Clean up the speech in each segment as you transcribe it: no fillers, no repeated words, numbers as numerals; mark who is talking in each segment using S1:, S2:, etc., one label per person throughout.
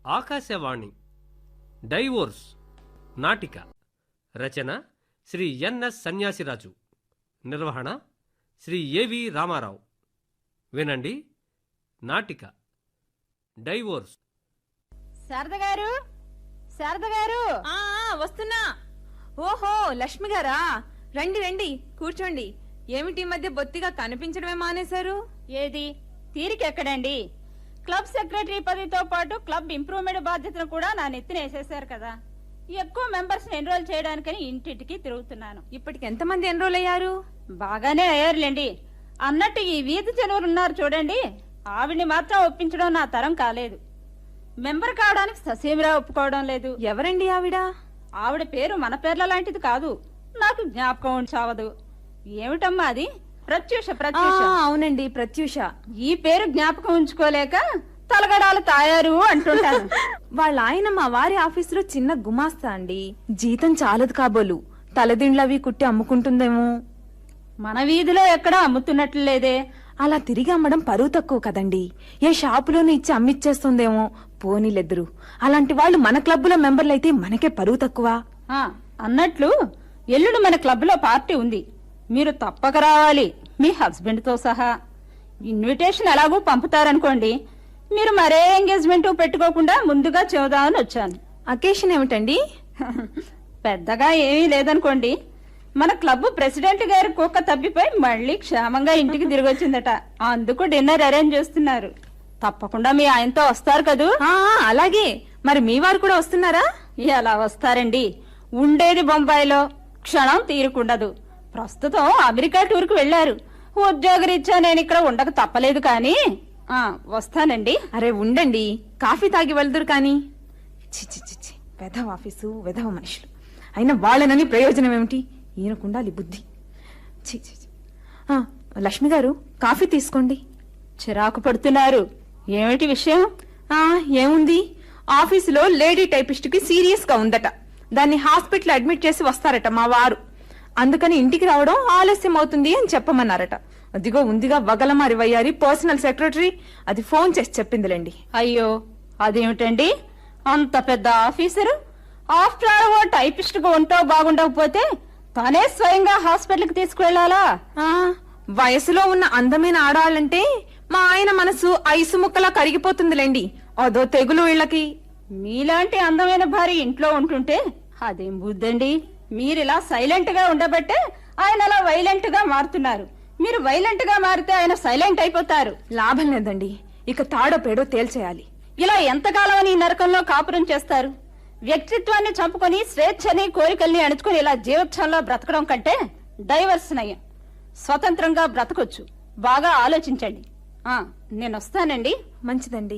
S1: Akashvani divorce నాటిక రచన Shri NS Sanyasiraju, నిర్వహణ Shri A V Ramarao. వినండి నాటిక డైవోర్స్.
S2: శారద గారు, శారద గారు,
S3: వస్తున్నా. ఓహో, లక్ష్మి గారా, రండి రండి, కూర్చోండి. ఏమిటి ఈ మధ్య బొత్తిగా కనిపించడమే మానేశారు?
S2: ఏది తీరికెక్కడండి? క్లబ్ సెక్రటరీ పదవితో పాటు క్లబ్ ఇంప్రూవ్మెంట్ బాధ్యతను కూడా నా నెత్తిన వేసేశారు కదా. ఎక్కువ మెంబర్స్ ఎన్రోల్ చేయడానికని ఇంటింటికి తిరుగుతున్నాను.
S3: ఇప్పటికి ఎంతమంది ఎన్రోల్ అయ్యారు?
S2: బాగానే అయ్యారులేండి. అన్నట్టు ఈ వీధి జనువులు ఉన్నారు చూడండి, ఆవిడ్ని మాత్రం ఒప్పించడం నా తరం కాలేదు. మెంబర్ కావడానికి ససేమిరా ఒప్పుకోవడం లేదు.
S3: ఎవరండి ఆవిడ?
S2: ఆవిడ పేరు మన పేర్ల లాంటిది కాదు, నాకు జ్ఞాపకం చావదు. ఏమిటమ్మా అది? ప్రత్యూష. ప్రత్యూష,
S3: అవునండి, ప్రత్యూష.
S2: ఈ పేరు జ్ఞాపకం ఉంచుకోలేక తలగడాలు తాయారు అంటుంటాను.
S3: వాళ్ళ ఆయన మా వారి ఆఫీసులో చిన్న గుమాస్తా అండి. జీతం చాలదు కాబోలు, తలదిండ్లవి కుట్టి అమ్ముకుంటుందేమో.
S2: మన వీధిలో ఎక్కడా అమ్ముతున్నట్లు లేదే.
S3: అలా తిరిగి అమ్మడం పరువు తక్కువ కదండి. ఏ షాపులోనూ ఇచ్చి అమ్మిచ్చేస్తుందేమో. పోనీలెద్దరు. అలాంటి వాళ్ళు మన క్లబ్లో మెంబర్లయితే మనకే పరువు తక్కువ.
S2: అన్నట్లు ఎల్లుండి మన క్లబ్ లో పార్టీ ఉంది, మీరు తప్పక రావాలి, మీ హస్బెండ్ తో సహా. ఇన్విటేషన్ ఎలాగూ పంపుతారనుకోండి, మీరు మరే ఎంగేజ్మెంట్ పెట్టుకోకుండా ముందుగా చెబుదామని వచ్చాను.
S3: అకేషన్ ఏమిటండి?
S2: పెద్దగా ఏమీ లేదనుకోండి. మన క్లబ్ ప్రెసిడెంట్ గారి కుక్క తప్పిపోయి మళ్ళీ క్షేమంగా ఇంటికి తిరిగి వచ్చిందట. అందుకు డిన్నర్ అరేంజ్ చేస్తున్నారు. తప్పకుండా మీ ఆయనతో వస్తారు కదూ?
S3: అలాగే. మరి మీ వారు కూడా వస్తున్నారా?
S2: ఎలా వస్తారండి, ఉండేది బొంబాయిలో, క్షణం తీరుకుండదు. ప్రస్తుతం అమెరికా టూర్కు వెళ్లారు. ఉద్యోగరీత్యా నేను ఇక్కడ ఉండక తప్పలేదు. కానీ వస్తానండి.
S3: అరే ఉండండి, కాఫీ తాగి వెళ్దురు కానీ. చిచి, వెధవ ఆఫీసు, వెధవ మనుషులు. అయినా వాళ్ళనని ప్రయోజనం ఏమిటి? ఈయనకుండాలి బుద్ధి. చిచి. లక్ష్మి గారు, కాఫీ తీసుకోండి.
S2: చిరాకు పడుతున్నారు. ఏమిటి విషయం?
S3: ఏముంది, ఆఫీసులో లేడీ టైపిస్ట్ కి సీరియస్ గా ఉందట. దాన్ని హాస్పిటల్ అడ్మిట్ చేసి వస్తారట మా వారు. అందుకని ఇంటికి రావడం ఆలస్యం అవుతుంది అని చెప్పమన్నారట. అదిగో ఉందిగా వగలమారి వయ్యారి పర్సనల్ సెక్రటరీ, అది ఫోన్ చేసి చెప్పిందిలేండి.
S2: అయ్యో, అదేమిటండి, అంత పెద్ద ఆఫీసరు ఆఫ్టర్ ఆల్ ఓ టైపిస్ట్ గా ఉంటో బాగుండకపోతే తనే స్వయంగా హాస్పిటల్ కి తీసుకువెళ్లాలా?
S3: వయసులో ఉన్న అందమైన ఆడవాళ్ళంటే మా ఆయన మనసు ఐసు ముక్కలా కరిగిపోతుందిలేండి. అదో తెగులు వీళ్ళకి.
S2: మీలాంటి అందమైన భార్య ఇంట్లో ఉంటుంటే అదేం బుద్ధండి. మీరిలా సైలెంట్ గా ఉండబట్టే ఆయన అలా వైలెంట్ గా మారుతున్నారు. మీరు వైలెంట్ గా మారితే ఆయన సైలెంట్ అయిపోతారు.
S3: లాభం లేదండి, ఇక తాడో పేడో తేల్చేయాలి.
S2: ఇలా ఎంతకాలం అని నరకంలో కాపురం చేస్తారు? వ్యక్తిత్వాన్ని చంపుకొని స్వేచ్ఛని కోరికల్ని అణుచుకుని ఇలా జీవోత్సవంలో బ్రతకడం కంటే డైవర్స్ నయం. స్వతంత్రంగా బ్రతకొచ్చు. బాగా ఆలోచించండి. నేను వస్తానండి.
S3: మంచిదండి.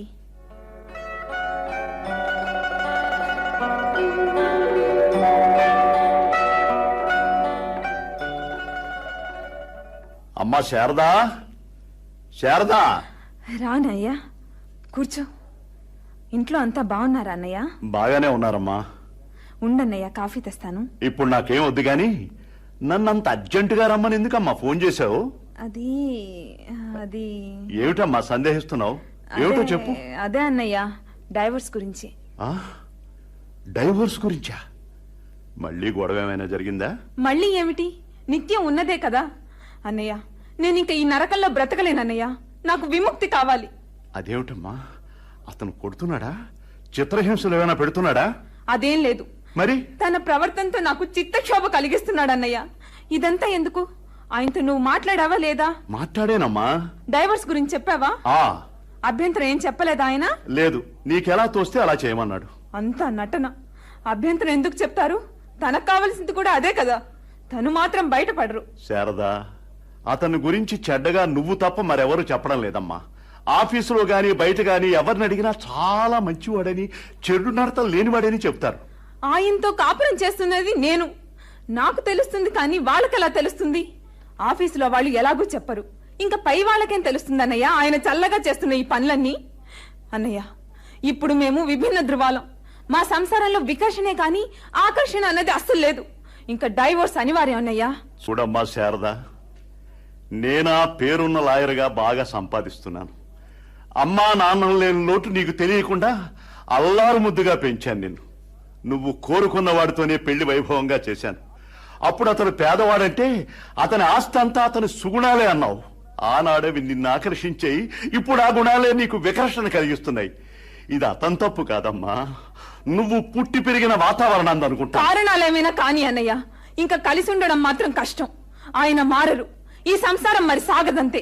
S4: అమ్మా శారదా, శారదా.
S3: రానయ్యా, కూర్చో. ఇంట్లో అంతా బాగున్నారా అన్నయ్య?
S4: బాగానే ఉన్నారమ్మా.
S3: ఉండన్నయ్య, కాఫీ తెస్తాను.
S4: ఇప్పుడు నాకేం వద్దు గాని నన్నంత అర్జెంటుగా రమ్మని ఎందుకమ్మా ఫోన్ చేశావు?
S3: అది అది
S4: ఏమిటమ్మా సందేహిస్తున్నావు? ఏమిటో చెప్పు.
S3: అదే అన్నయ్య, డైవర్స్ గురించి.
S4: డైవర్స్ గురించా? మళ్ళీ గొడవ ఏమైనా జరిగిందా?
S3: మళ్ళీ ఏమిటి, నిత్యం ఉన్నదే కదా అన్నయ్య. నేను ఇంక ఈ నరకంలో బ్రతకలేనన్నయ్య, నాకు విముక్తి కావాలి.
S4: అదేమిటమ్మా, అతను కొడుతున్నాడా? చిత్రహింసలు ఏమైనా పెడుతున్నాడా?
S3: అదేం లేదు.
S4: మరి
S3: తన ప్రవర్తనతో నాకు చిత్తక్షోభ కలిగిస్తున్నాడన్నయ్య. ఇదంతా ఎందుకు? ఆయనతో నువ్వు మాట్లాడావా లేదా?
S4: మాట్లాడేనమ్మా.
S3: డైవర్స్ గురించి చెప్పావా? అభ్యంతరం ఏం చెప్పలేదా ఆయన?
S4: లేదు, నీకెలా తోస్తే అలా చేయమన్నాడు.
S3: అంతా నటన. అభ్యంతరం ఎందుకు చెప్తారు? తనకు కావలసింది కూడా అదే కదా. తను మాత్రం బయటపడరు.
S4: శారదా, అతని గురించి చెడ్డగా నువ్వు తప్ప మరెవరు చెప్పడం లేదమ్మా. ఆఫీసులో గాని బయట గాని ఎవరిని అడిగినా చాలా మంచివాడని, చెడు నడతలు లేనివాడని చెప్తారు.
S3: ఆయనతో కాపురం చేస్తున్నది నేను, నాకు తెలుస్తుంది. కానీ వాళ్ళకెలా తెలుస్తుంది? ఆఫీసులో వాళ్ళు ఎలాగూ చెప్పరు, ఇంకా పై వాళ్ళకేం తెలుస్తుంది అన్నయ్య ఆయన చల్లగా చేస్తున్న ఈ పనులన్నీ? అన్నయ్య, ఇప్పుడు మేము విభిన్న ధృవాలం. మా సంసారంలో వికర్షణే కాని ఆకర్షణ అన్నది అస్సలు లేదు. ఇంకా డైవోర్స్ అనివార్యం అన్నయ్య.
S4: చూడమ్మా శారదా, నేనా పేరున్న లాయర్గా బాగా సంపాదిస్తున్నాను. అమ్మా నాన్నలు లేని లోటు నీకు తెలియకుండా అల్లారు ముద్దుగా పెంచాను నిన్ను. నువ్వు కోరుకున్న వాడితోనే పెళ్లి వైభవంగా చేశాను. అప్పుడు అతను పేదవాడంటే అతని ఆస్తి అంతా అతని సుగుణాలే అన్నావు. ఆనాడవి నిన్ను ఆకర్షించాయి. ఇప్పుడు ఆ గుణాలే నీకు వికర్షణ కలిగిస్తున్నాయి. ఇది అతని తప్పు కాదమ్మా, నువ్వు పుట్టి పెరిగిన వాతావరణాన్ని అనుకుంటా.
S3: కారణాలేమైనా కాని అన్నయ్య, ఇంకా కలిసి ఉండడం మాత్రం కష్టం. ఆయన మారరు, ఈ సంసారం మరి సాగదంతే.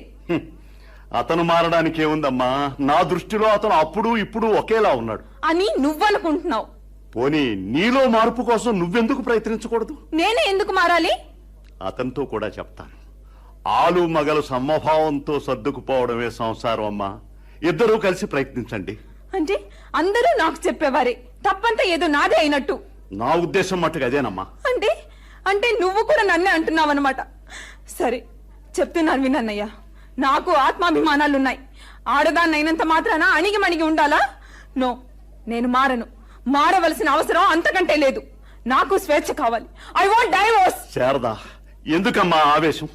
S4: అతను మారడానికి ఏముందమ్మా? నా దృష్టిలో అతను అప్పుడు ఇప్పుడు ఒకేలా ఉన్నాడు
S3: అని నువ్వనుకుంటున్నావు.
S4: పోనీ నీలో మార్పు కోసం నువ్వెందుకు ప్రయత్నించకూడదు?
S3: నేనే ఎందుకు మారాలి?
S4: అతనితో కూడా చెప్తాను. ఆలు మగలు సమభావంతో సర్దుకుపోవడమే సంసారం అమ్మా. ఇద్దరూ కలిసి ప్రయత్నించండి.
S3: అంటే అందరూ నాకు చెప్పేవారే, తప్పంతా ఏదో నాదే అయినట్టు.
S4: నా ఉద్దేశం మట్టుకు అదేనమ్మా.
S3: అంటే అంటే నువ్వు కూడా నన్నే అంటున్నావన్నమాట. సరే చెప్తున్నాను వినన్నయ్య, నాకు ఆత్మాభిమానాలున్నాయి. ఆడదాన్నైనంత మాత్రాన అణిగి మణిగి ఉండాలా? నో, నేను మారను. మారవలసిన అవసరం అంతకంటే లేదు. నాకు స్వేచ్ఛ కావాలి. I want divorce.
S4: శారదా, ఎందుకమ్మా ఆవేశం?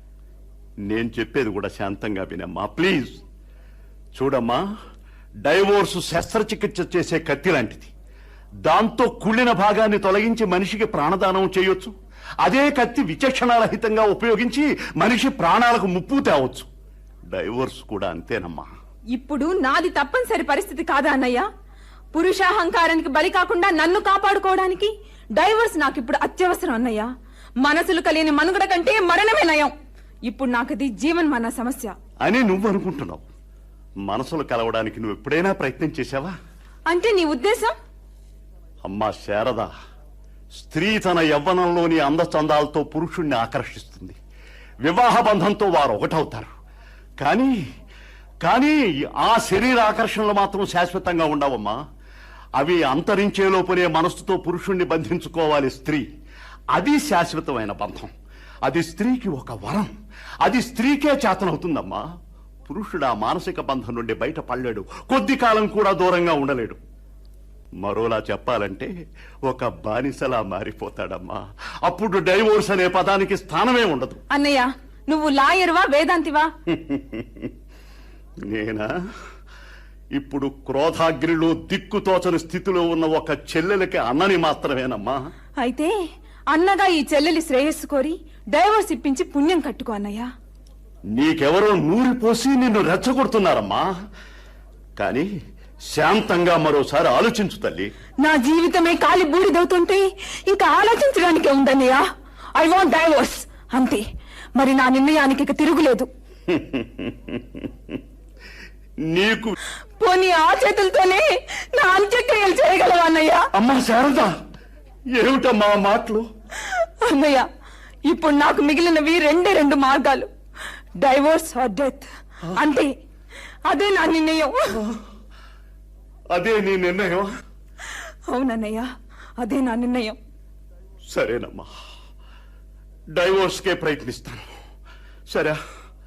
S4: నేను చెప్పేది కూడా శాంతంగా వినమ్మా ప్లీజ్. చూడమ్మా, డైవోర్సు శస్త్రచికిత్స చేసే కత్తి లాంటిది. దాంతో కుళ్ళిన భాగాన్ని తొలగించి మనిషికి ప్రాణదానం చేయొచ్చు. అదే కత్తి విచక్షణారహితంగా ఉపయోగించి మనిషి ప్రాణాలకు ముప్పు తేవచ్చు. డైవోర్స్ కూడా అంతేనమ్మా.
S3: ఇప్పుడు నాది తప్పనిసరి పరిస్థితి కాదా అన్నయ్య? పురుషాహంకారానికి బలి కాకుండా నన్ను కాపాడుకోవడానికి డైవోర్స్ నాకు ఇప్పుడు అత్యవసరం అన్నయ్య. మనసులు కలియని మనుగడ కంటే మరణమే నయం. ఇప్పుడు నాకది జీవన్మరణ సమస్య
S4: అని నువ్వు అనుకుంటున్నావు. మనసులు కలవడానికి నువ్వు ఎప్పుడైనా ప్రయత్నం చేశావా?
S3: అంటే నీ ఉద్దేశం?
S4: అమ్మా శారదా, స్త్రీ తన యవ్వనంలోని అందచందాలతో పురుషుణ్ణి ఆకర్షిస్తుంది. వివాహ బంధంతో వారు ఒకటవుతారు. కానీ కానీ ఆ శరీర ఆకర్షణలు మాత్రం శాశ్వతంగా ఉండవమ్మా. అవి అంతరించేలోపునే మనస్సుతో పురుషుణ్ణి బంధించుకోవాలి స్త్రీ. అది శాశ్వతమైన బంధం. అది స్త్రీకి ఒక వరం. అది స్త్రీకే చేతనవుతుందమ్మా. పురుషుడు ఆ మానసిక బంధం నుండి బయటపడలేడు. కొద్ది కాలం కూడా దూరంగా ఉండలేడు. మరోలా చెప్పాలంటే ఒక బానిసలా మారిపోతాడమ్మా. అప్పుడు డైవోర్స్ అనే పదానికి స్థానమే ఉండదు.
S3: అన్నయ్య, నువ్వు లాయర్వా వేదాంతివా?
S4: నేనా? ఇప్పుడు క్రోధాగ్నిలో దిక్కుతోచని స్థితిలో ఉన్న ఒక చెల్లెలకి అన్నని మాత్రమేనమ్మా.
S3: అయితే అన్నగా ఈ చెల్లెలి శ్రేయస్సు కోరి డైవోర్స్ ఇప్పించి పుణ్యం కట్టుకో అన్నయ్య.
S4: నీకెవరో నూరిపోసి నిన్ను రెచ్చగొడుతున్నారమ్మా. కానీ శాంతంగా మరోసారి ఆలోచించు తల్లి.
S3: నా జీవితమే కాలి బూడిదవుతుంటే ఇంకా ఆలోచించడానికే ఉందన్నయ్య. ఐ వాంట్ డైవోర్స్ అంతే. మరి నా నిర్ణయానికి ఇక తిరుగులేదు.
S4: నీకు
S3: పోనీ ఆ చేతులతోనే నా అంత్యక్రియలు చేయగలవా అన్నయ్య?
S4: అమ్మా శారదా, ఏమిటమ్మా మాటలు?
S3: అన్నయ్య, ఇప్పుడు నాకు మిగిలినవి రెండు మార్గాలు, డైవోర్స్ ఆర్ డెత్. అంతే, అదే నా నిర్ణయం.
S4: అదే నీ నిర్ణయం?
S3: అవునన్నయ్య, అదే నా నిర్ణయం.
S4: సరేనమ్మా, డైవోర్స్కే ప్రయత్నిస్తాను. సరే,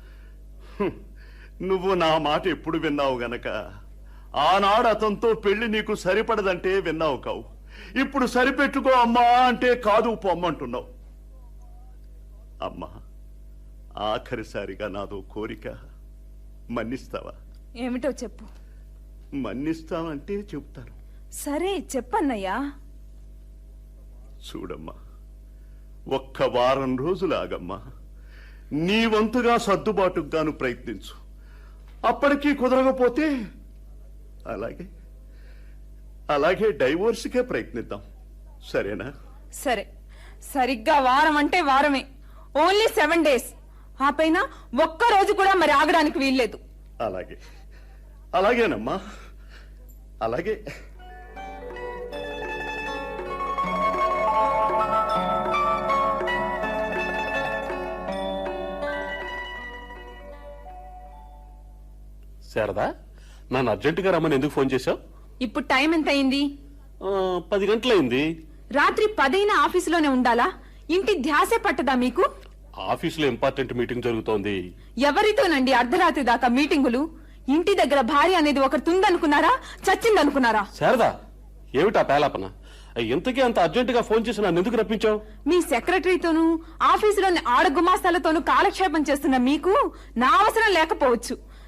S4: నువ్వు నా మాట ఎప్పుడు విన్నావు గనక ఆనాడు అతనితో పెళ్లి నీకు సరిపడదంటే విన్నావు కావు. ఇప్పుడు సరిపెట్టుకో అమ్మా అంటే కాదు పొమ్మంటున్నావు. అమ్మా, ఆఖరిసారిగా నాదో కోరిక, మన్నిస్తావా?
S3: ఏమిటో చెప్పు.
S4: మన్నిస్తానంటే చెప్తాను.
S3: సరే చెప్పన్నయ్యా.
S4: చూడమ్మా, ఒక్క వారం రోజులు ఆగమ్మా. నీ వంతుగా సర్దుబాటుకు గాను ప్రయత్నించు. అప్పటికీ కుదరకపోతే అలాగే డైవోర్స్కే ప్రయత్నిద్దాం. సరేనా?
S3: సరే, సరిగ్గా వారం అంటే వారమే. Only 7 days. ఆ పైన ఒక్క రోజు కూడా మరి ఆగడానికి వీల్లేదు.
S4: అలాగేనమ్మా, అలాగే.
S5: శారదా, నన్ను అర్జెంటుగా రమ్మని ఎందుకు ఫోన్ చేశావు?
S3: ఇప్పుడు టైం ఎంత అయింది?
S5: 10 గంటలైంది.
S3: రాత్రి 10 ఆఫీసులోనే ఉండాలా? ఇంటి ధ్యాసే పట్టదా మీకు?
S5: ఆఫీసులో ఇంపార్టెంట్ మీటింగ్ జరుగుతోంది.
S3: ఎవరితోనండి అర్ధరాత్రి దాకా మీటింగులు? ఇంటి దగ్గర భార్య అనేది ఒకటి తుందనుకున్నారా, చచ్చిందనుకున్నారా?
S5: శారదా, ఏమిటా పేలాపన? ఇంతకీ అంత అర్జెంటుగా ఫోన్ చేసి నన్ను ఎందుకు రప్పించావు?
S3: మీ సెక్రటరీతోనూ ఆఫీసులోని ఆడగుమాస్తాలతోనూ కాలక్షేపం చేస్తున్న మీకు నా అవసరం లేకపోవచ్చు,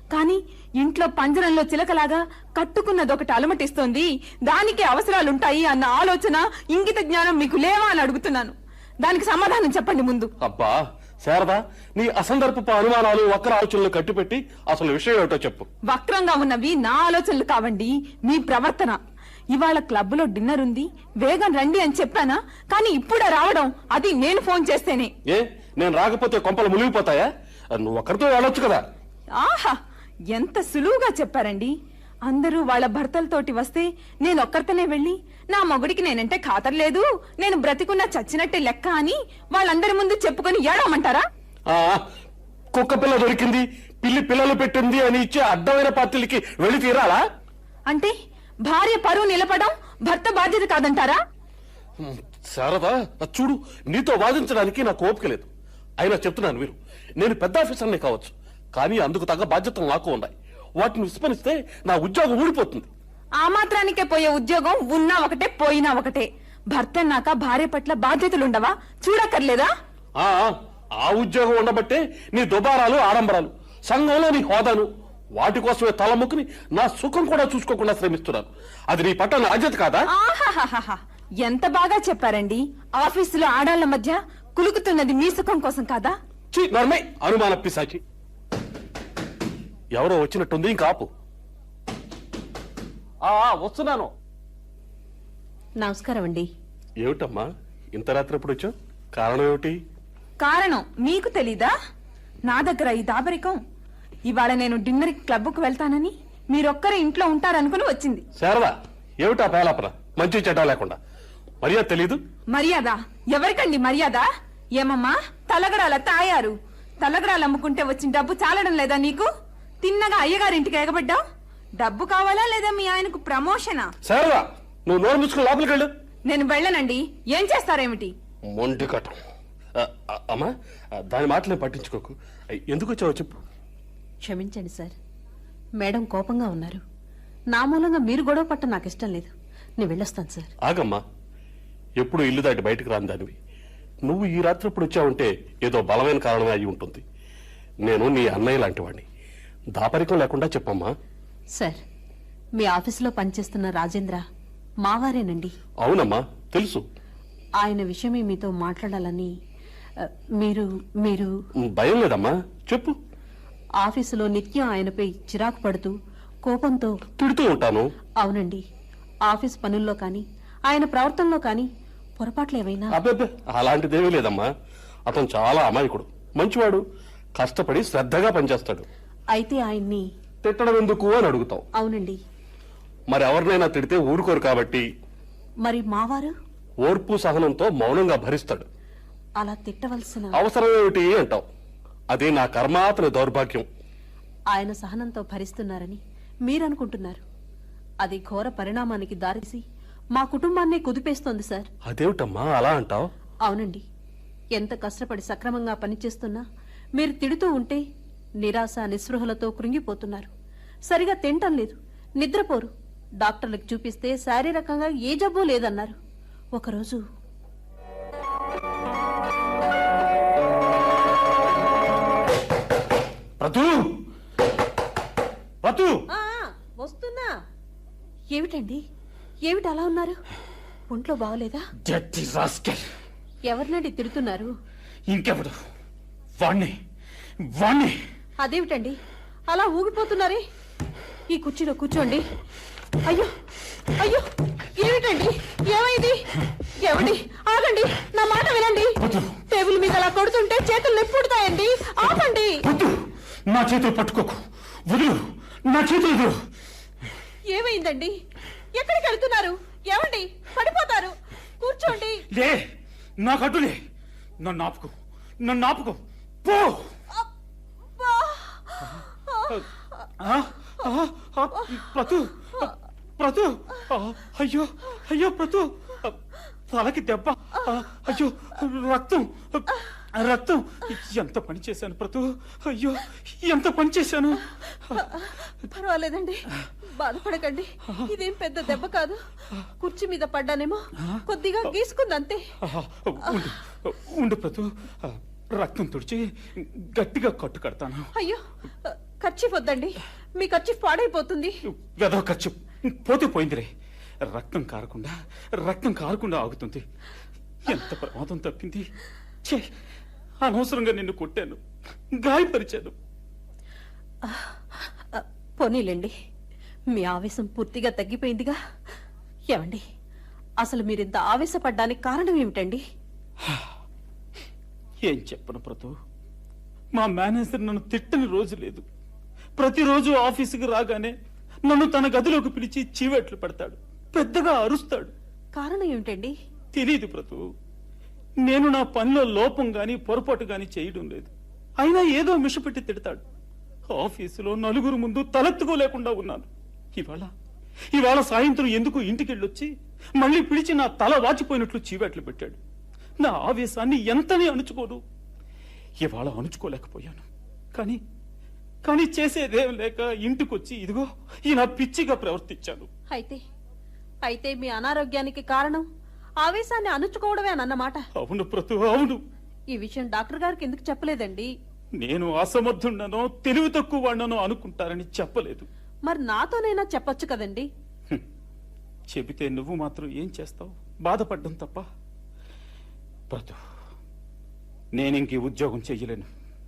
S3: కానీ ఇంట్లో పంజరంలో చిలకలాగా కట్టుకున్నదొకటి అలమటిస్తోంది, దానికి అవసరాలుంటాయి అన్న ఆలోచన, ఇంగిత జ్ఞానం మీకు లేవా అని అడుగుతున్నాను. దానికి సమాధానం చెప్పండి ముందు.
S5: అబ్బా శారదా, నీ అసందర్భపు అనుమానాలు వక్ర ఆలోచనలు కట్టిపెట్టి అసలు విషయం ఏమిటో చెప్పు.
S3: వక్రంగా ఉన్నవి నా ఆలోచనలు కావండి, మీ ప్రవర్తన. ఇవాళ క్లబ్ లో డిన్నర్ ఉంది, వేగం రండి అని చెప్పానా? కానీ ఇప్పుడే రావడం, అది నేను ఫోన్ చేస్తేనే.
S5: ఏ నేను రాకపోతే కొంపలు మునిగిపోతాయా? నువ్వు ఒక్కరితో వెళ్ళొచ్చు కదా.
S3: ఆహా, ఎంత సులువుగా చెప్పారండి. అందరూ వాళ్ళ భర్తలతోటి వస్తే నేను ఒక్కరితోనే వెళ్ళి, నా మొగుడికి నేనంటే ఖాతర్లేదు, నేను బ్రతికున్నా చచ్చినట్టే లెక్క అని వాళ్ళందరి ముందు చెప్పుకొని ఏడవమంటారా?
S5: ఆ కుక్క పిల్ల దొరికింది, పిల్లి పిల్లలు పెట్టింది అని ఇచ్చే అడ్డమైన పార్టీలకి వెళ్ళి తీరాలా?
S3: అంటే భార్య పరువు నిలపడం భర్త బాధ్యత కాదంటారా?
S5: శారదా, చూడు, నీతో వాదించడానికి నాకు ఓపిక లేదు. అయినా చెప్తున్నాను వీరు, నేను పెద్ద ఆఫీసర్ని కావచ్చు, కానీ అందుకు తగ్గ బాధ్యతలు నాకు ఉన్నాయి. వాటిని విస్మరిస్తే నా ఉద్యోగం ఊడిపోతుంది.
S3: ఆ మాత్రానికే పోయే ఉద్యోగం ఉన్నా ఒకటే, పోయినా ఒకటే. భర్త అన్నాక భార్య పట్ల బాధ్యతలుండవా? చూడక్కర్లేదా?
S5: ఆ ఉద్యోగం ఉండబట్టే నీ దుబారాలు, ఆడంబరాలు, సంఘంలో నీ హోదాను, వాటి కోసమే తలముక్కుని నా సుఖం కూడా చూసుకోకుండా శ్రమిస్తున్నాను. అది నీ పట్ల బాధ్యత కాదా?
S3: ఆహాహాహా, ఎంత బాగా చెప్పారండి. ఆఫీసులో ఆడాళ్ల మధ్య కులుకుతున్నది మీ సుఖం కోసం కాదా?
S5: నర్మే అనుమాన పిశాచి. ఎవరో వచ్చినట్టుంది, ఇంకా ఆపు. వస్తున్నాను.
S6: నమస్కారం అండి.
S5: ఏమిటమ్మా ఇంత రాత్రి ఎప్పుడు వచ్చావు? కారణం ఏమిటి?
S3: కారణం మీకు తెలీదా? నా దగ్గర ఈ దాబరికం. ఇవాళ నేను డిన్నర్ క్లబ్కు వెళ్తానని మీరొక్కరే ఇంట్లో ఉంటారనుకుని వచ్చింది.
S5: శారదా, ఏమిటా పేలాపన? మంచి చెడ్డ లేకుండా మర్యాద తెలీదు?
S3: మర్యాద ఎవరికండి మర్యాద? ఏమమ్మా తలగడాల తాయారు? తలగడాలు అమ్ముకుంటే వచ్చిన డబ్బు చాలడం లేదా నీకు? తిన్నగా అయ్యగారింటికి ఎగబడ్డావు. డబ్బు కావాలా లేదా మీ ఆయనకు ప్రమోషనా?
S5: శారదా, నువ్వు నోరు మూసుకుని లోపలికి వెళ్ళు.
S3: నేను వెళ్ళనండి. ఏం చేస్తారేమిటి?
S5: మొండి కట్టం. అమ్మా, దాని మాటలే పట్టించుకోకు. ఎందుకు వచ్చావో చెప్పు.
S6: క్షమించండి సార్, మేడం కోపంగా ఉన్నారు. నా మూలంగా మీరు గొడవ పట్ట నాకు ఇష్టం లేదు. నేను వెళ్ళొస్తాను సార్.
S5: ఆగమ్మా, ఎప్పుడు ఇల్లు దాటి బయటకు రాని దానివి నువ్వు ఈ రాత్రి ఇప్పుడు వచ్చావంటే ఏదో బలమైన కారణమే అయి ఉంటుంది. నేను నీ అన్నయ్య లాంటి వాడిని. దాపరికం లేకుండా చెప్పమ్మా.
S6: సార్, మీ ఆఫీసులో పనిచేస్తున్న రాజేంద్ర మావారేనండి.
S5: అవునమ్మా, తెలుసు.
S6: ఆయన విషయమే మీతో మాట్లాడాలని. మీరు మీరు
S5: భయం లేదమ్మా, చెప్పు.
S6: ఆఫీసులో నిత్యం ఆయనపై చిరాకు పడుతూ కోపంతో
S5: తిడుతూ ఉంటాను.
S6: అవునండి, ఆఫీస్ పనుల్లో కానీ ఆయన ప్రవర్తనలో కానీ పొరపాట్లు ఏమైనా?
S5: అబ్బే, అలాంటిదేమీ లేదమ్మా. అతను చాలా అమాయకుడు, మంచివాడు, కష్టపడి శ్రద్ధగా పనిచేస్తాడు.
S6: అయితే ఆయన్ని
S5: తిట్టడం ఎందుకు అని అడుగుతావు.
S6: అవునండి.
S5: మరి ఎవరినైనా తిడితే ఊరుకోరు కాబట్టి
S6: మరి మావారు
S5: ఓర్పు సహనంతో మౌనంగా భరిస్తాడు.
S6: అలా తిట్టవలసిన
S5: అవసరం ఏమిటి అంటావు. అది నా కర్మ, అతని దౌర్భాగ్యం.
S6: ఆయన సహనంతో భరిస్తున్నారని మీరనుకుంటున్నారు. అది ఘోర పరిణామానికి దారితీసి మా కుటుంబాన్నే కుదిపేస్తోంది సార్.
S5: అదేమిటమ్మా అలా అంటావు?
S6: అవునండి, ఎంత కష్టపడి సక్రమంగా పనిచేస్తున్నా మీరు తిడుతూ ఉంటే నిరాశ నిస్పృహలతో కృంగిపోతున్నారు. సరిగా తింటం లేదు, నిద్రపోరు. డాక్టర్లకు చూపిస్తే శారీరకంగా ఏ జబ్బు లేదన్నారు. ఒకరోజు వస్తున్నా. ఏమిటండి, ఏమిటి అలా ఉన్నారు? ఒంట్లో బాగలేదా? ఎవరినండి తిడుతున్నారు?
S7: ఇంకెవడు? వాణ్ణి వాణ్ణి.
S6: అదేమిటండి అలా ఊగిపోతున్నారే? ఈ కుర్చీలో కూర్చోండి. అయ్యో అయ్యో, ఏమిటండి, ఏమైంది? ఏమండి, ఆగండి, నా మాట వినండి. టేబుల్ మీద అలా కొడుతుంటే చేతులు నొప్పుడుతాయండి. ఆపండి.
S7: నా చేతులు పట్టుకోకు, వదులు, నా చేతులు వదులు.
S6: ఏమైందండి? ఎక్కడికి వెళ్తున్నారు? ఏమండి, పడిపోతారు. కూర్చోండి.
S7: లే, నాకు అడ్డులే. నన్ను ఆపుకో, నన్ను ఆపుకో, పో. ప్రతు ప్రతు, అయ్యో అయ్యో ప్రతు, తలకి దెబ్బ. అయ్యో, రక్తం రక్తం. ఎంత పని చేశాను ప్రతు, అయ్యో ఎంత పని చేశాను.
S6: పర్వాలేదండి, బాధపడకండి. ఇదేం పెద్ద దెబ్బ కాదు. కుర్చీ మీద పడ్డానేమో, కొద్దిగా గీసుకుందంతే.
S7: ఉండు ఉండు ప్రతు, రక్తం తుడిచి గట్టిగా కట్టు కడతాను.
S6: అయ్యో, ఖర్చీఫ్ వద్దండి, మీ ఖర్చీఫ్ పాడైపోతుంది.
S7: వెదవ ఖర్చు పోతే పోయిందిరే. రక్తం కారకుండా ఆగుతుంది. ఎంత ప్రమాదం తప్పింది. ఛే, అనవసరంగా నిన్ను కొట్టాను, గాయపరిచాను.
S6: పోనీలేండి, మీ ఆవేశం పూర్తిగా తగ్గిపోయిందిగా. ఏమండి, అసలు మీరింత ఆవేశపడ్డానికి కారణం ఏమిటండి?
S7: ఏం చెప్పను ప్రతు, మా మేనేజర్ నన్ను తిట్టని రోజు లేదు. ప్రతిరోజు ఆఫీసుకి రాగానే నన్ను తన గదిలోకి పిలిచి చీవెట్లు పెడతాడు, పెద్దగా అరుస్తాడు.
S6: కారణం ఏమిటండి?
S7: తెలీదు ప్రతు. నేను నా పనిలో లోపం గాని పొరపాటు గాని చేయడం లేదు. అయినా ఏదో మిషపెట్టి తిడతాడు. ఆఫీసులో నలుగురు ముందు తలెత్తుకోలేకుండా ఉన్నాను. ఇవాళ సాయంత్రం ఎందుకు ఇంటికెళ్ళొచ్చి మళ్ళీ పిలిచి నా తల వాచిపోయినట్లు చీవెట్లు పెట్టాడు. నా ఆవేశాన్ని ఎంతని అణుచుకోను. ఇవాళ అణుచుకోలేకపోయాను. కానీ చేసేదేం లేక ఇంటికొచ్చి ఇదిగో ఇలా పిచ్చిగా ప్రవర్తించాను.
S6: అయితే మీ అనారోగ్యానికి కారణం ఆవేశాన్ని అణుచుకోవడమే అన్నమాట.
S7: అవును ప్రతు, అవును.
S6: ఈ విషయం డాక్టర్ గారికి ఎందుకు చెప్పలేదండి?
S7: నేను అసమర్థుండనో తెలివి తక్కువ వాడినో అనుకుంటారని చెప్పలేదు.
S6: మరి నాతోనైనా చెప్పొచ్చు కదండి.
S7: చెబితే నువ్వు మాత్రం ఏం చేస్తావు? బాధపడ్డం తప్ప. ప్రతు, నేనింక ఈ ఉద్యోగం చెయ్యలేను.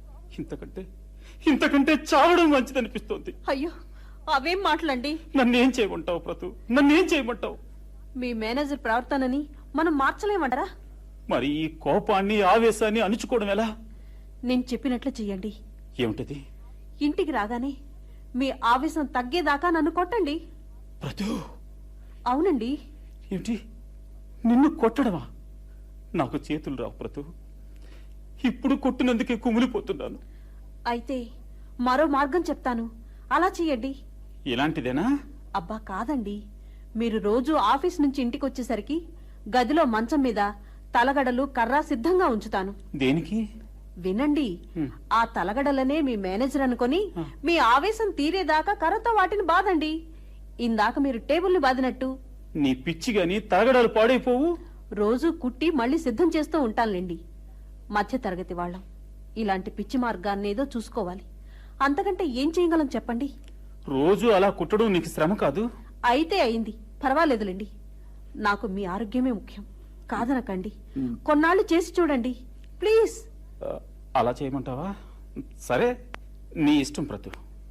S7: ఇంతకంటే చావడం మంచిదనిపిస్తోంది.
S6: అయ్యో, అవేం మాటలండి.
S7: నన్నేం చేయమంటావు ప్రతు? నన్నేం చేయమంటావు?
S6: మీ మేనేజర్ ప్రవర్తనని మనం మార్చలేమంటారా?
S7: మరి ఈ కోపాన్ని ఆవేశాన్ని అణుచుకోవడం ఎలా?
S6: నేను చెప్పినట్లు చెయ్యండి.
S7: ఏమిటది?
S6: ఇంటికి రాగానే మీ ఆవేశం తగ్గేదాకా నన్ను కొట్టండి.
S7: ప్రతు.
S6: అవునండి.
S7: ఏమిటి, నిన్ను కొట్టడమా? నాకు చేతులు రావు ప్రతు. ఇప్పుడు కొట్టినందుకే కుమిలిపోతున్నాను.
S6: అయితే మరో మార్గం చెప్తాను, అలా చెయ్యండి.
S7: ఇలాంటిదేనా?
S6: అబ్బా కాదండి, మీరు రోజు ఆఫీస్ నుంచి ఇంటికి వచ్చేసరికి గదిలో మంచం మీద తలగడలు కర్ర సిద్ధంగా ఉంచుతాను.
S7: దేనికి?
S6: వినండి. ఆ తలగడలనే మీ మేనేజర్ అనుకొని మీ ఆవేశం తీరేదాకా కర్రతో వాటిని బాదండి. ఇందాక మీరు టేబుల్ని బాదినట్టు.
S7: నీ పిచ్చి గాని తలగడలు పాడైపోవు.
S6: రోజు కుట్టి మళ్ళీ సిద్ధం చేస్తూ ఉంటానులేండి. మధ్య తరగతి వాళ్ళం ఇలాంటి పిచ్చి మార్గాన్నేదో చూసుకోవాలి. అంతకంటే ఏం చేయగలం చెప్పండి?
S7: రోజు అలా కుట్టడం నీకు శ్రమ కాదు?
S6: అయితే అయింది, పర్వాలేదులేండి. నాకు మీ ఆరోగ్యమే ముఖ్యం, కాదనకండి. కొన్నాళ్ళు చేసి చూడండి ప్లీజ్.
S7: అలా చేయమంటావా? సరే, నీ ఇష్టం ప్రతు.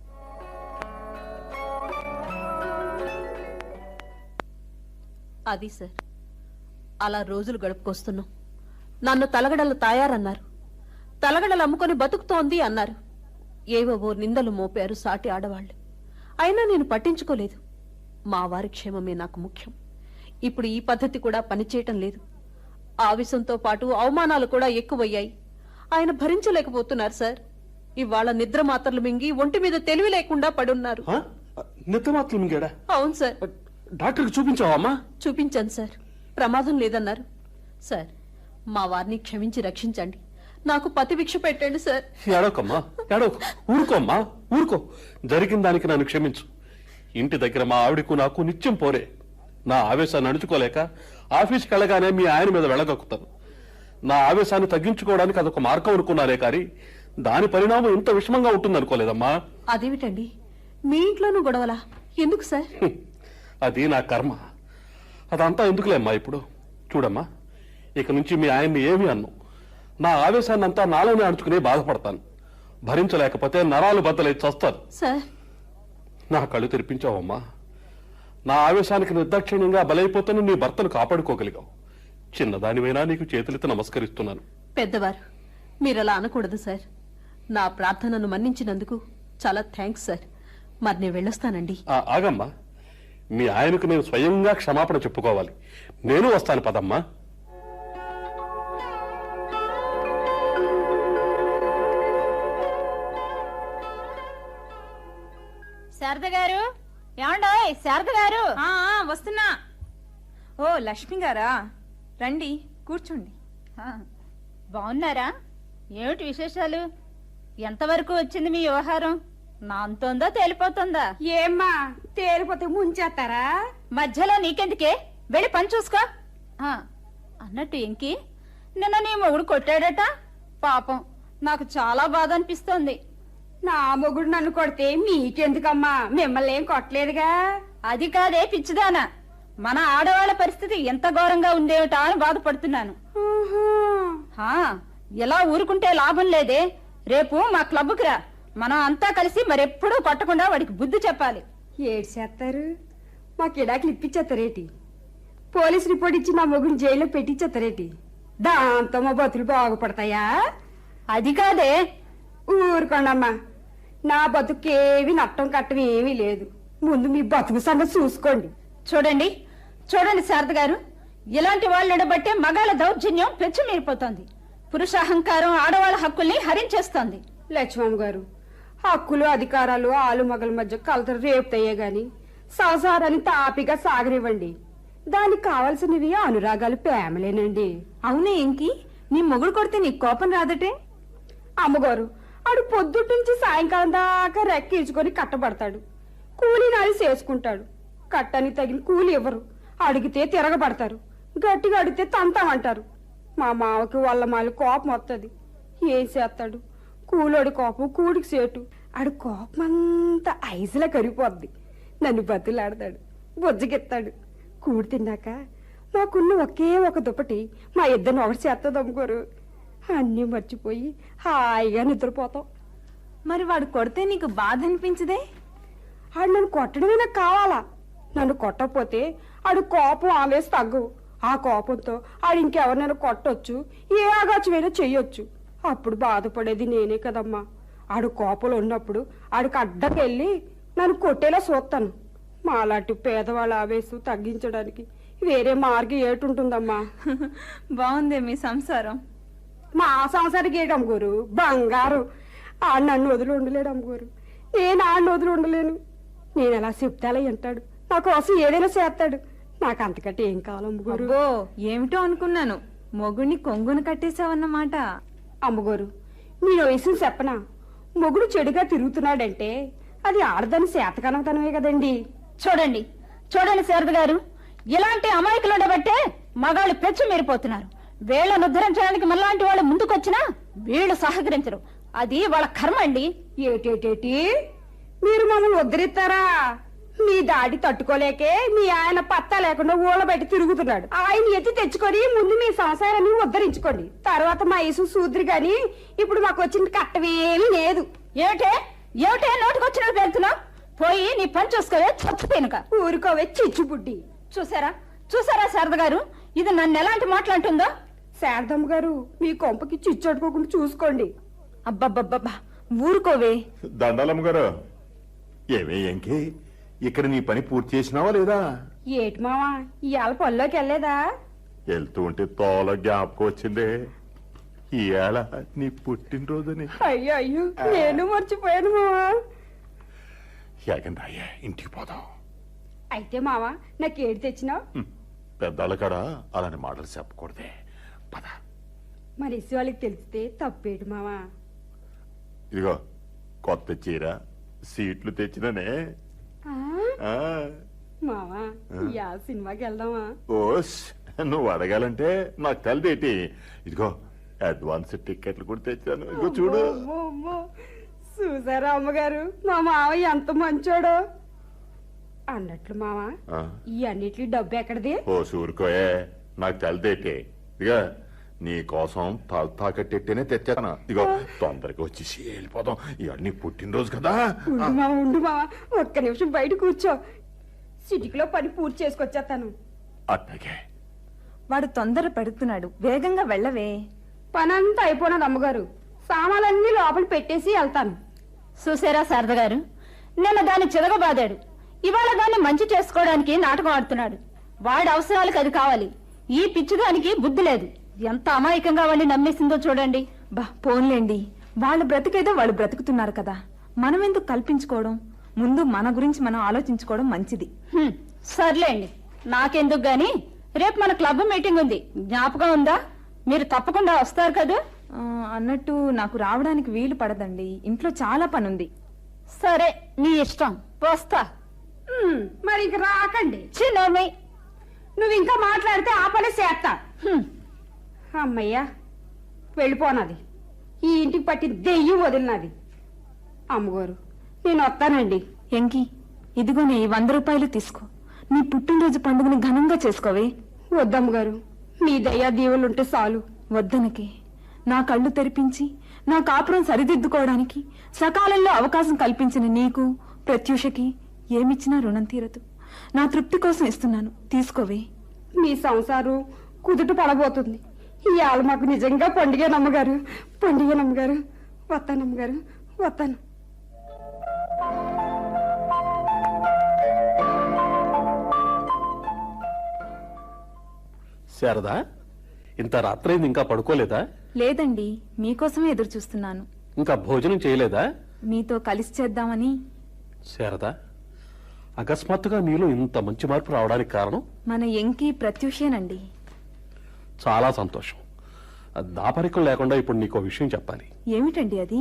S6: అది సార్, అలా రోజులు గడుపుకొస్తున్నాం. నన్ను తలగడలు తాయారన్నారు, తలగడలు అమ్ముకొని బతుకుతోంది అన్నారు. ఏవో నిందలు మోపారు సాటి ఆడవాళ్లు. అయినా నేను పట్టించుకోలేదు. మా వారి క్షేమమే నాకు ముఖ్యం. ఇప్పుడు ఈ పద్ధతి కూడా పనిచేయటం లేదు. ఆవేశంతో పాటు అవమానాలు కూడా ఎక్కువయ్యాయి. ఆయన భరించలేకపోతున్నారు సార్. ఇవాళ నిద్ర మాత్రలు మింగి ఒంటి మీద తెలివి లేకుండా పడున్నారు.
S5: నిద్ర మాత్రం మింగాడా?
S6: అవును సార్.
S5: డాక్టర్కి చూపించావా అమ్మా?
S6: చూపించాను సార్, ప్రమాదం లేదన్నారు. సార్, మా వారిని క్షమించి రక్షించండి. నాకు పతి భిక్ష పెట్టండి సార్.
S5: ఏడోకమ్మా, ఏడోకు. ఊరుకోమ్మా, ఊరుకో. జరిగిన దానికి నన్ను క్షమించు. ఇంటి దగ్గర మా ఆవిడకు నాకు నిత్యం పోరే. నా ఆవేశాన్ని అణుచుకోలేక ఆఫీస్కి వెళ్ళగానే మీ ఆయన మీద వెళ్ళగక్కుతాను. నా ఆవేశాన్ని తగ్గించుకోవడానికి అదొక మార్గం అనుకున్నారే కానీ దాని పరిణామం ఇంత విషమంగా ఉంటుందనుకోలేదమ్మా.
S6: అదేమిటండి, మీ ఇంట్లోనూ గొడవలా? ఎందుకు సార్?
S5: అది నా కర్మ. అదంతా ఎందుకులేమ్మా. ఇప్పుడు చూడమ్మా, ఇక నుంచి మీ ఆయన్ని ఏమీ అన్ను. నా ఆవేశాన్ని అంతా నాలోనే అణుచుకుని బాధపడతాను. భరించలేకపోతే నరాలు బద్దలై చస్తాను.
S6: సార్,
S5: నా కళ్ళు తెరిపించావమ్మా. నా ఆవేశానికి నిర్దాక్షిణ్యంగా బలైపోతున్న నీ భర్తను కాపాడుకోగలిగావు. చిన్నదానివైనా నీకు చేతులెత్తి నమస్కరిస్తున్నాను.
S6: పెద్దవారు, మీరలా అనకూడదు సార్. నా ప్రార్థనను మన్నించినందుకు చాలా థ్యాంక్స్ సార్. మరి నేను వెళ్ళొస్తానండి.
S5: ఆగమ్మా, మీ ఆయనకు నేను స్వయంగా క్షమాపణ చెప్పుకోవాలి. నేను వస్తాను, పదమ్మా.
S2: శారద గారు, ఏమండోయ్ శారద గారు.
S3: వస్తున్నా. ఓ లక్ష్మి గారా, రండి కూర్చోండి.
S2: బాగున్నారా? ఏమిటి విశేషాలు? ఎంతవరకు వచ్చింది మీ వ్యవహారం? నా అంతోందా తేలిపోతుందా?
S3: ఏమ్మా, తేలిపోతే ముంచేస్తారా?
S2: మధ్యలో నీకెందుకే, వెళ్ళి పని చూసుకో. అన్నట్టు ఇంకి నిన్న నీ మొగుడు కొట్టాడట. పాపం, నాకు చాలా బాధ అనిపిస్తోంది.
S6: నా మొగుడు నన్ను కొడితే మీకెందుకమ్మా, మిమ్మల్ని ఏం కొట్టలేదుగా.
S2: అది కాదే పిచ్చిదానా, మన ఆడవాళ్ళ పరిస్థితి ఎంత ఘోరంగా ఉండేవిటా అని బాధపడుతున్నాను. హా, ఎలా ఊరుకుంటే లాభం లేదే. రేపు మా క్లబ్కి రా, మనం అంతా కలిసి మరెప్పుడూ కొట్టకుండా వాడికి బుద్ధి చెప్పాలి.
S6: ఏడు చేస్తారు, మా కిడాకులు ఇప్పించేస్తారేటి? పోలీస్ రిపోర్ట్ ఇచ్చి నా మొగుడిని జైల్లో పెట్టించేస్తారేటి? దాంతో మా బతులు బాగుపడతాయా?
S2: అది కాదే.
S6: ఊరుకోండమ్మా, నా బతుకేవి నట్టం కట్టం ఏమీ లేదు. ముందు మీ బతుకు సంగతి చూసుకోండి.
S2: చూడండి చూడండి శారద గారు, ఇలాంటి వాళ్ళని బట్టే మగాళ్ళ దౌర్జన్యం పెచ్చుమీరిపోతోంది. పురుషాహంకారం ఆడవాళ్ళ హక్కుల్ని హరించేస్తోంది.
S6: లక్ష్మమ్మ గారు, హక్కులు అధికారాలు ఆలు మగల మధ్య కలతలు రేపుతాయే గాని సంసారాన్ని తాపిగా సాగనివ్వండి. దానికి కావాల్సినవి అనురాగాలు, ప్రేమలేనండి.
S3: అవునే ఇంకి, నీ మొగుడు కొడితే నీకు కోపం రాదటే?
S6: అమ్మగారు, ఆడు పొద్దుటి నుంచి సాయంకాలం దాకా రెక్కించుకొని కట్టబడతాడు. కూలీ నాలి చేసుకుంటాడు. కట్టని తగిన కూలి ఇవ్వరు. అడిగితే తిరగబడతారు. గట్టిగా అడిగితే తంతామంటారు. మా మావకి వాళ్ళ మాలి కోపం వస్తుంది. ఏం చేస్తాడు? కూలోడి కోపం కూడికి సేటు. ఆడు కోపం అంతా ఐసులా కరిగిపోద్ది. నన్ను బతులాడతాడు, బొజ్జగెత్తాడు. కూడి తిన్నాక మాకున్న ఒకే ఒక దుప్పటి మా ఇద్దరిని ఒకటి చేస్తుంది అమ్ముకోరు. అన్నీ మర్చిపోయి హాయిగా నిద్రపోతాం.
S3: మరి వాడు కొడితే నీకు బాధ అనిపించదే?
S6: ఆడు నన్ను కొట్టడమే నాకు కావాలా. నన్ను కొట్టకపోతే ఆడు కోపం ఆవేసి తగ్గవు. ఆ కోపంతో ఆడు ఇంకెవరినైనా కొట్టొచ్చు, ఏ ఆగాచమైనా చెయ్యొచ్చు. అప్పుడు బాధపడేది నేనే కదమ్మా. ఆడు కోపంలో ఉన్నప్పుడు ఆడికి అడ్డకెళ్ళి నన్ను కొట్టేలా చూస్తాను. మాలాంటి పేదవాళ్ళ ఆవేశం తగ్గించడానికి వేరే మార్గం ఏటుంటుందమ్మా?
S3: బాగుందే మీ సంసారం.
S6: మా సంసారికి ఏటమ్మ గారు, బంగారు. ఆడు నన్ను వదిలి ఉండలేడు అమ్మగారు, నేను ఆడిని వదిలి ఉండలేను. నేను ఎలా చెప్తాలో వింటాడు, నా కోసం ఏదైనా చేస్తాడు. నాకు అంతకంటే ఏం కావాలమ్మగారు?
S3: అబ్బో, ఏమిటో అనుకున్నాను, మొగుడిని కొంగును కట్టేశావన్నమాట.
S6: అమ్మగారు, నేను వయసుని చెప్పనా? మొగుడు చెడుగా తిరుగుతున్నాడంటే అది ఆడదాని శాతకనతనమే కదండి.
S2: చూడండి చూడండి శారద గారు, ఇలాంటి అమాయకులు ఉండబట్టే మగాళ్ళు పెచ్చు మీరిపోతున్నారు. వీళ్ళను ఉద్ధరించడానికి మనలాంటి వాళ్ళు ముందుకొచ్చినా వీళ్ళు సహకరించరు. అది వాళ్ళ కర్మ అండి.
S6: ఏటేటేటి, మీరు మమ్మల్ని ఉద్ధరిస్తారా? మీ దాడి తట్టుకోలేకే మీ ఆయన పత్తా లేకుండా ఊళ్ళ బయట తిరుగుతున్నాడు. ఆయన ఎత్తి తెచ్చుకొని ముందు మీ సంసారాన్ని ఉద్ధరించుకోండి. తర్వాత మా యేసు సూద్రి గాని ఇప్పుడు మాకు వచ్చిన కట్టమేమీ లేదు.
S2: ఏమిటే ఏమిటే నోటికొచ్చినట్టు పెడుతున్నావు? పోయి నీ పని చూసుకోవే, చచ్చు తినక.
S6: ఊరుకోవే చిచ్చుబుడ్డి.
S2: చూసారా చూసారా శారద గారు, ఇది నన్ను ఎలాంటి మాట్లాడుతుందో?
S6: శారదమ్మ గారు, మీ కొంపకి చిచ్చడుకోకుండా చూసుకోండి.
S3: అబ్బబ్బబ్బబ్బా, ఊరుకోవే.
S4: దండాలమ్మ గారు, ఏమే ఏంకి ఇక్కడ నీ పని పూర్తి చేసినావా లేదా?
S6: ఏటి మావా, ఇవాళ పనిలోకి వెళ్ళలేదా?
S4: వెళ్తూ ఉంటే తోల జ్ఞాపకం వచ్చిందే, ఇవాళ నీ పుట్టినరోజుని.
S6: అయ్యో అయ్యో, నేను మర్చిపోయాను మావా.
S4: ఏకండి ఇంటికి పోదాం.
S6: అయితే మావా, నాకేడు తెచ్చినావు?
S4: పెద్దాళ్ళ కాడ అలాంటి మాటలు చెప్పకూడదే. పద.
S6: మరి ఇసి వాళ్ళకి తెలిస్తే తప్పేటి మావా.
S4: ఇదిగో కొత్త చీర, సీట్లు తెచ్చిననే.
S6: ఆ?
S4: ఆ,
S6: మావా, యా సినిమాకి వెళ్దామా?
S4: ఓస్ నువ్వు అడగాలంటే నాకు తెలిదేటి. ఇదిగో అడ్వాన్స్ టికెట్లు కూడా తెచ్చాను, ఇదిగో చూడు.
S6: అమ్మో, అమ్మో. చూసారా అమ్మగారు, మా మావ ఎంత మంచోడో. అన్నట్లు మావా,
S4: ఆ,
S6: ఈ అన్నిటి డబ్బు ఎక్కడిది?
S4: ఓ సూరుకోయే, నాకు తెలిదేటి. ఇదిగా నీ కోసం తల తాకట్టేనే తెచ్చాను. ఇదిగో తొందరగా వచ్చేసి వెళ్ళిపోదాం, ఇవన్నీ పుట్టినరోజు కదా.
S6: ఉండు మావా, ఒక్క నిమిషం బయట కూర్చో. సిటీలో పని పూర్తి చేసుకొచ్చేస్తాను.
S4: అట్లాగే.
S3: వాడు తొందర పెడుతున్నాడు, వేగంగా వెళ్ళవే.
S6: పనంతా అయిపోయినది అమ్మగారు, సామాన్లన్నీ లోపల పెట్టేసి వెళ్తాను.
S2: చూసారా శారద గారు, నిన్న దాన్ని చిరగబాదాడు, ఇవాళ దాన్ని మంచి చేసుకోవడానికి నాటకం ఆడుతున్నాడు. వాడి అవసరాలకు అది కావాలి, ఈ పిచ్చిదానికి బుద్ధి లేదు. ఎంత అమాయకంగా వాడిని నమ్మేసిందో చూడండి.
S3: బా పోన్లేండి, వాళ్ళ బ్రతికేదో వాళ్ళు బ్రతుకుతున్నారు కదా, మనం ఎందుకు కల్పించుకోవడం? ముందు మన గురించి మనం ఆలోచించుకోవడం మంచిది.
S2: సర్లేండి, నాకెందుకు గాని రేపు మన క్లబ్ మీటింగ్ ఉంది, జ్ఞాపకం ఉందా? మీరు తప్పకుండా వస్తారు కదా?
S3: అన్నట్టు నాకు రావడానికి వీలు పడదండి, ఇంట్లో చాలా పనుంది.
S2: సరే, నీ ఇష్టం, వస్తా.
S6: మరి ఇంక రాకండి.
S2: చిన్నోర్మై,
S6: నువ్వు ఇంకా మాట్లాడితే ఆ పని చేస్తా. అమ్మయ్యా, వెళ్ళిపోనది. ఈ ఇంటికి పట్టి దెయ్యం వదిలినది. అమ్మగారు నేను వస్తానండి.
S3: ఎంకి, ఇదిగో నీ 100 రూపాయలు తీసుకో. నీ పుట్టినరోజు పండుగని ఘనంగా చేసుకోవే.
S6: వద్దమ్మగారు, మీ దయా దీవులుంటే చాలు.
S3: వద్దనకి, నా కళ్ళు తెరిపించి నా కాపురం సరిదిద్దుకోవడానికి సకాలంలో అవకాశం కల్పించిన నీకు, ప్రత్యూషకి ఏమిచ్చినా రుణం తీరదు. నా తృప్తి కోసం ఇస్తున్నాను, తీసుకోవే.
S6: మీ సంసారం కుదుట పడబోతుంది. ఇవాళ మాకు నిజంగా పండుగేనమ్మగారు, పండుగేనమ్మగారు. వస్తానమ్మగారు, వస్తాను.
S5: శారదా, ఇంత రాత్రైంది ఇంకా పడుకోలేదా?
S3: లేదండి, మీకోసమే ఎదురు చూస్తున్నాను.
S5: ఇంకా భోజనం చేయలేదా?
S3: మీతో కలిసి చేద్దామని.
S5: శారదా, అకస్మాత్తుగా నీలో ఇంత మంచి మార్పు రావడానికి కారణం?
S3: మన ఎంకి ప్రత్యూషేనండి.
S5: చాలా సంతోషం. దాపరికం లేకుండా ఇప్పుడు నీకో విషయం చెప్పాలి.
S3: ఏమిటండి అది?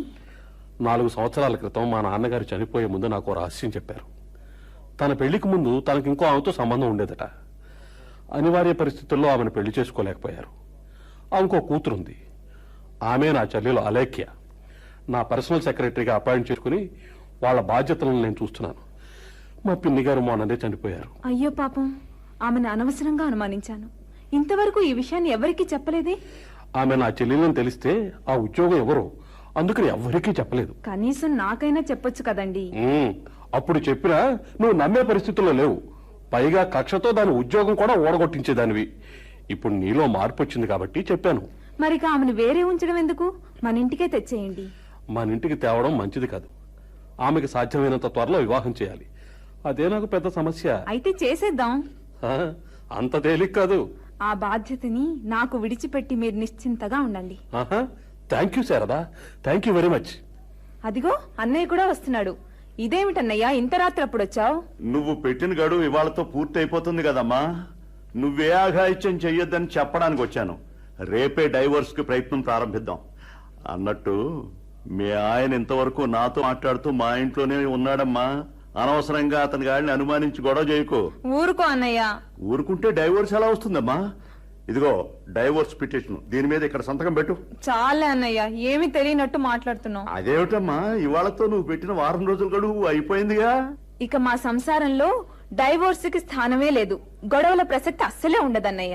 S5: 4 సంవత్సరాల క్రితం మా నాన్నగారు చనిపోయే ముందు నాకు రహస్యం చెప్పారు. తన పెళ్లికి ముందు తనకి ఇంకో ఆమెతో సంబంధం ఉండేదట. అనివార్య పరిస్థితుల్లో ఆమెను పెళ్లి చేసుకోలేకపోయారు. ఆమెకో కూతురుంది. ఆమె నా చెల్లెలు అలేఖ్య. నా పర్సనల్ సెక్రటరీగా అపాయింట్ చేసుకుని వాళ్ళ బాధ్యతలను నేను చూస్తున్నాను. మా పిన్ని గారు మొన్ననే చనిపోయారు.
S3: అయ్యో పాపం, ఆమెను అనవసరంగా అనుమానించాను. ఇంతవరకు ఈ విషయాన్ని ఎవరికీ చెప్పలేదే?
S5: ఆమె నా చెల్లెలని తెలిస్తే ఆ ఉద్యోగం ఎవరో, అందుకని ఎవ్వరికీ చెప్పలేదు.
S3: కనీసం నాకైనా చెప్పొచ్చు కదండి.
S5: అప్పుడు చెప్పినా నువ్వు నమ్మే పరిస్థితుల్లో లేవు. పైగా కక్షతో దాని ఉద్యోగం కూడా ఓడగొట్టించేదానివి. ఇప్పుడు నీలో మార్పు వచ్చింది కాబట్టి చెప్పాను.
S3: మరిక ఆమెను వేరే ఉంచడం ఎందుకు? మన ఇంటికే తెచ్చేయండి.
S5: మన ఇంటికి తేవడం మంచిది కాదు. ఆమెకి సాధ్యమైనంత త్వరలో వివాహం చేయాలి. అదే నాకు పెద్ద సమస్య.
S3: అయితే చేసేద్దాం.
S5: ఆ, అంత తేలిక కాదు.
S3: ఆ బాధ్యతని నాకు విడిచిపెట్టి మీరు నిశ్చింతగా ఉండండి.
S5: Thank you Sharada, thank you very much.
S3: అదిగో అన్నయ్య కూడా వస్తున్నాడు. ఇదేమిటన్నయ్యా, ఇంత రాత్రి అప్పుడు వచ్చావు?
S4: నువ్వు పెట్టిన గడువు ఇవాళతో పూర్తి అయిపోతుంది కదమ్మా. నువ్వే ఆఘాయిత్యం చెయ్యొద్దని చెప్పడానికి వచ్చాను. రేపే డైవోర్స్ కి ప్రయత్నం ప్రారంభిద్దాం. అన్నట్టు మీ ఆయన ఇంతవరకు నాతో మాట్లాడుతూ మా ఇంట్లోనే ఉన్నాడమ్మా. అనవసరంగా అతని గాడిని అనుమానించి గొడవ చేయకు.
S3: ఊరుకో అన్నయ్య.
S4: ఊరుకుంటే డైవోర్స్ ఎలా వస్తుందమ్మా? ఇదిగో డైవోర్స్ పిటిషన్, దీని మీద ఇక్కడ సంతకం పెట్టు.
S3: చాలే అన్నయ్య, ఏమీ తెలియనట్టు మాట్లాడుతున్నావు.
S4: అదేమిటమ్మా, ఇవాళతో నువ్వు పెట్టిన వారం రోజుల గడువు అయిపోయిందిగా.
S3: ఇక మా సంసారంలో డైవోర్స్ కి స్థానమే లేదు. గొడవల ప్రసక్తి అస్సలే ఉండదన్నయ్య.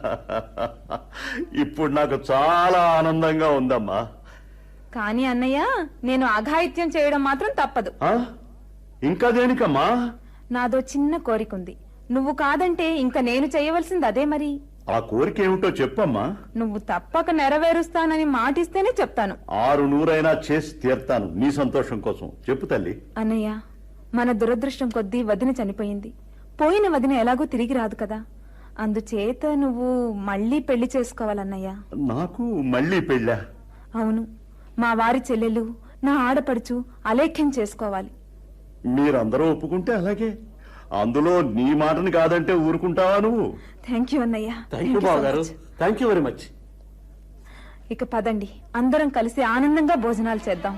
S4: ఇప్పుడు నాకు చాలా ఆనందంగా ఉందమ్మా.
S3: కానీ అన్నయ్య, నేను అఘాయిత్యం చేయడం మాత్రం తప్పదు.
S4: ఇంకా దేనికమ్మా?
S3: నాదో చిన్న కోరికుంది. నువ్వు కాదంటే ఇంకా నేను చేయవలసింది అదే. మరి
S4: ఆ కోరిక ఏమిటో చెప్పమ్మా.
S3: నువ్వు తప్పక నెరవేరుస్తానని మాటిస్తేనే చెప్తాను.
S4: 600 చేసి తీర్తాను నీ సంతోషం కోసం. చెప్పు తల్లి.
S3: అన్నయ్య, మన దురదృష్టం కొద్దీ వదిన చనిపోయింది. పోయిన వదిన ఎలాగో తిరిగి రాదు కదా. అందుచేత నువ్వు మళ్ళీ పెళ్లి చేసుకోవాలన్నయ్య.
S4: నాకు మళ్ళీ పెళ్ళా?
S3: అవును, మా వారి చెల్లెలు, నా ఆడపడుచు అలేఖ్యం చేసుకోవాలి.
S4: మీరందరూ ఒప్పుకుంటే అలాగే. అందులో నీ మాటని కాదంటే ఊరుకుంటావా నువ్వు?
S3: థ్యాంక్ యూ అన్నయ్య.
S5: థ్యాంక్ యూ బావగారు, థ్యాంక్ యూ వెరీ మచ్.
S3: ఇక పదండి, అందరం కలిసి ఆనందంగా భోజనాలు చేద్దాం.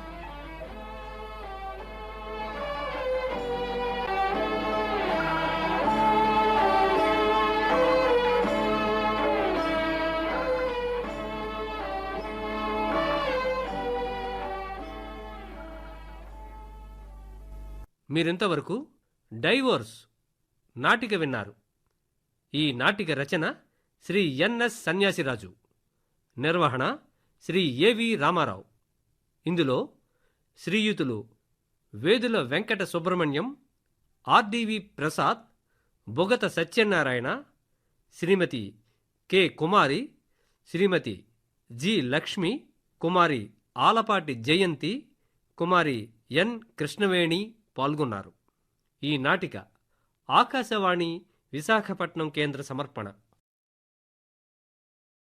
S1: మీరింతవరకు డైవోర్స్ నాటిక విన్నారు. ఈ నాటిక రచన శ్రీ ఎన్ఎస్ సన్యాసిరాజు, నిర్వహణ శ్రీ ఏవి రామారావు. ఇందులో శ్రీయుతులు Vedula Venkata Subrahmanyam, R D V Prasad, Bogata Satyanarayana, Shrimati K Kumari, Shrimati G Lakshmi, Kumari Alapati Jayanthi, Kumari N Krishnaveni పాల్గొన్నారు. ఈ నాటిక ఆకాశవాణి విశాఖపట్నం కేంద్ర సమర్పణ.